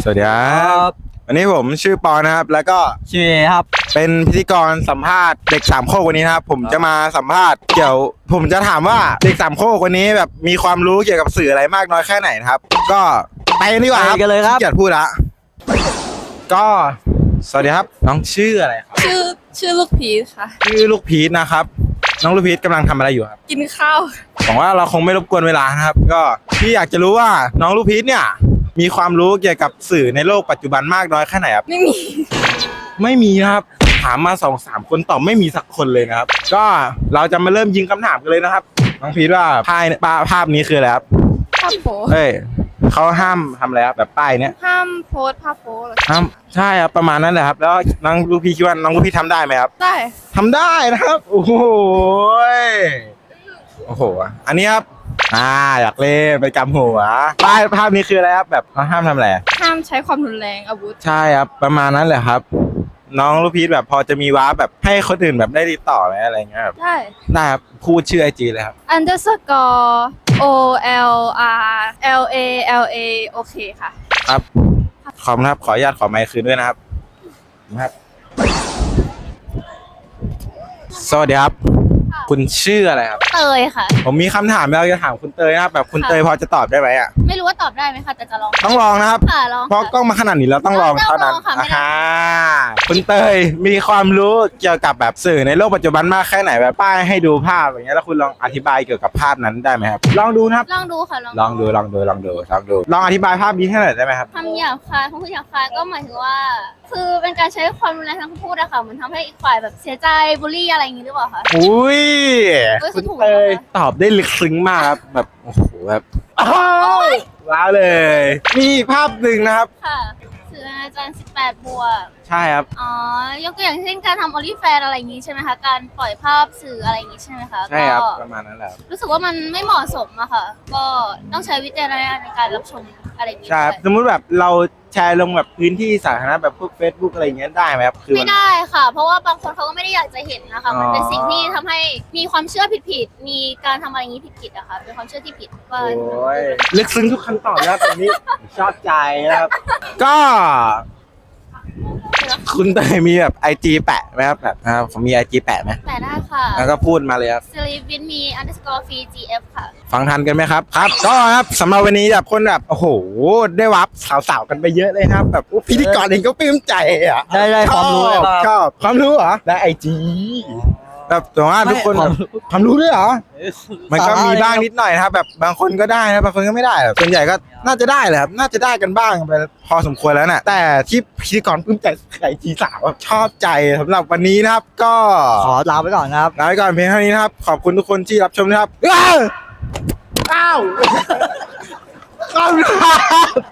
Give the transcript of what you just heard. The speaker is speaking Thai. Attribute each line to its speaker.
Speaker 1: สวัสดีครับวันนี้ผมชื่อปอนะครับแล้วก็
Speaker 2: ชื่อครับ
Speaker 1: เป็นพิธีกรสัมภาษณ์เด็กสามโคกวันนี้นะครับผมจะมาสัมภาษณ์ผมจะถามว่าเด็กสามโคกวันนี้แบบมีความรู้เกี่ยวกับสื่ออะไรมากน้อยแค่ไหนนะครับก็ไปกันดีกว่าครับ
Speaker 2: ไปกันเลยครับ
Speaker 1: ขี้เกียจพูดละก็สวัสดีครับน้องชื่ออะไรครับ
Speaker 3: ชื่อลูกพีชค่ะ
Speaker 1: ชื่อลูกพีชนะครับน้องลูกพีชกำลังทำอะไรอยู่ครับ
Speaker 3: กินข้าว
Speaker 1: หวังว่าเราคงไม่รบกวนเวลานะครับก็พี่อยากจะรู้ว่าน้องลูกพีชเนี่ยมีความรู้เกี่ยวกับสื่อในโลกปัจจุบันมากน้อยแค่ไหนครับ
Speaker 3: ไม่มี
Speaker 1: ไม่มีนะครับถามมา2-3 คนตอบไม่มีสักคนเลยนะครับก็เราจะมาเริ่มยิงคำถามกันเลยนะครับน้องพีทว่าภาพนี้คืออะไรครับ
Speaker 3: ห้ามโพส
Speaker 1: เฮ้ยเขาห้ามทำอะไรครับแบบป้ายเนี้ย
Speaker 3: ห้ามโพสภาพโพส
Speaker 1: ห้ามใช่ครับประมาณนั้นแหละครับแล้วน้องลูกพี่คิดว่าน้องลูกพี่ทำได้ไหมครับ
Speaker 3: ได้
Speaker 1: ทำได้นะครับโอ้โหอันนี้ครับอยากเล่นไปกำหัวป้ายภาพนี้คืออะไรครับแบบเขาห้ามทำอะไร
Speaker 3: ห้ามใช้ความรุนแรงอาวุธ
Speaker 1: ใช่ครับประมาณนั้นแหละครับ น้องลูกพีทแบบพอจะมีว้าร์ปแบบให้คนอื่นแบบได้ติดต่อไหมอะไรเงี้ยครับ
Speaker 3: ได้
Speaker 1: ได้ครับพูดชื่อไอจีเลยครับ
Speaker 3: underscore OLR LA โอเคค่ะ
Speaker 1: ครับขอบคุณครับขออนุญาตขอไมค์คืนด้วยนะครับสวัสดีครับคุณชื่ออะไรครับ
Speaker 3: เตยค่ะ
Speaker 1: ผมมีคำถามเราจะถามคุณเตยนะครับแบบคุณเตยพอจะตอบได้ไหมอ่ะ
Speaker 3: ไม่รู้ว่าตอบได้ไหมคะแต่จะลอง
Speaker 1: ต้องลองนะครับ
Speaker 3: ค่ะลอง
Speaker 1: เพราะกล้องมาขนาดนี้แล้วต้องลองเท่านั้น
Speaker 3: ต้องลองค่ะไม่ได้
Speaker 1: คุณเตยมีความรู้เกี่ยวกับแบบสื่อในโลกปัจจุบันมากแค่ไหนแบบป้ายให้ดูภาพอย่างเงี้ยแล้วคุณลองอธิบายเกี่ยวกับภาพนั้นได้ไหมครับลองดูนะครับ
Speaker 3: ลองดูค่ะ
Speaker 1: ลองดูลองอธิบายภาพนี้ให้หน่อยได้ไหมครับ
Speaker 3: คำหยาบคายคำพูดหยาบคายก็หมายถึงว่า คือเป็นการใช้ความรุนแรงทางคำพูดอะค่ะเหมือนทำให้อีกฝ่ายแบบเสียใจบูลลี่อะไรอย่างงี้หรือเปล่าคะ
Speaker 1: อุ้ย
Speaker 3: เอ้ย
Speaker 1: คุณ
Speaker 3: ถูก
Speaker 1: เตย
Speaker 3: นะคะ
Speaker 1: ตอบได้ลึกซึ้งมากครับแบบโอ้โหแบบว้าวเลย มีอีกภาพหนึ่งนะครับ
Speaker 3: ค่ะสื่ออาจารย์18 บวก
Speaker 1: ใช่ครับ
Speaker 3: อ๋อยกตัวอย่างเช่นการทำ OnlyFans อะไรอย่างงี้ใช่ไหมคะการปล่อยภาพสื่ออะไรอย่างงี้ใช่ไหมคะ
Speaker 1: ใช่ครับ
Speaker 3: ก็
Speaker 1: ประมาณนั้นแหละ
Speaker 3: รู้สึกว่ามันไม่เหมาะสมอะค่ะ ก็ต้องใช้วิจารณญาณในการรับชมอะไรอย่างงี้
Speaker 1: ใช่ครับ
Speaker 3: ด้วย
Speaker 1: สมมุติแบบเราแชร์ลงแบบพื้นที่สาธารณะแบบพวก Facebook อะไรอย่างเงี้ยได้ไหมครับคือ
Speaker 3: ไม่ได้ค่ะ เพราะว่าบางคนเขาก็ไม่ได้อยากจะเห็นนะคะ มันเป็น
Speaker 1: อ๋อ
Speaker 3: สิ่งที่ทำให้มีความเชื่อผิดๆมีการทำอะไรอย่างงี้ผิดๆอะค่ะเป็นความเชื่อที่ผิดว่า
Speaker 1: โอ้ยลึกซึ้งทุกคำตอบนะครับแบบนี้ชอบใจนะครับ ก็คุณเตยมีแบบIG แปะไหมครับแบบผมมี IG แปะไหม
Speaker 3: แต่ได้ค่ะ
Speaker 1: แล้วก็พูดมาเลยครับ
Speaker 3: sleep with me underscore free gf ค่ะ
Speaker 1: ฟังทันกันไหมครับครับก็ครับสำหรับวันนี้แบบคนแบบโอ้โหได้วับสาวๆกันไปเยอะเลยครับแบบพิธีกรเองก็ปลื้มใจอ่ะ
Speaker 2: ได้ความรู้เลยครับ
Speaker 1: ชอบความรู้เหรอได้IG แบบแต่ว่าทุกคนแบบความรู้ด้วยเหรอมันก็มีบ้างนิดหน่อยนะครับแบบบางคนก็ได้นะบางคนก็ไม่ได้แบบส่วนใหญ่ก็น่าจะได้แหละครับน่าจะได้กันบ้างไปพอสมควรแล้วน่ะแต่ที่พิธีกรปลื้มใจIG สาวแบบชอบใจสำหรับวันนี้นะครับก็
Speaker 2: ขอลาไปก่อนนะครับ
Speaker 1: ลาไปก่อนเพียงเท่านี้นะครับขอบคุณทุกคนที่รับชมนะครับอ้าวขอบคุณครับ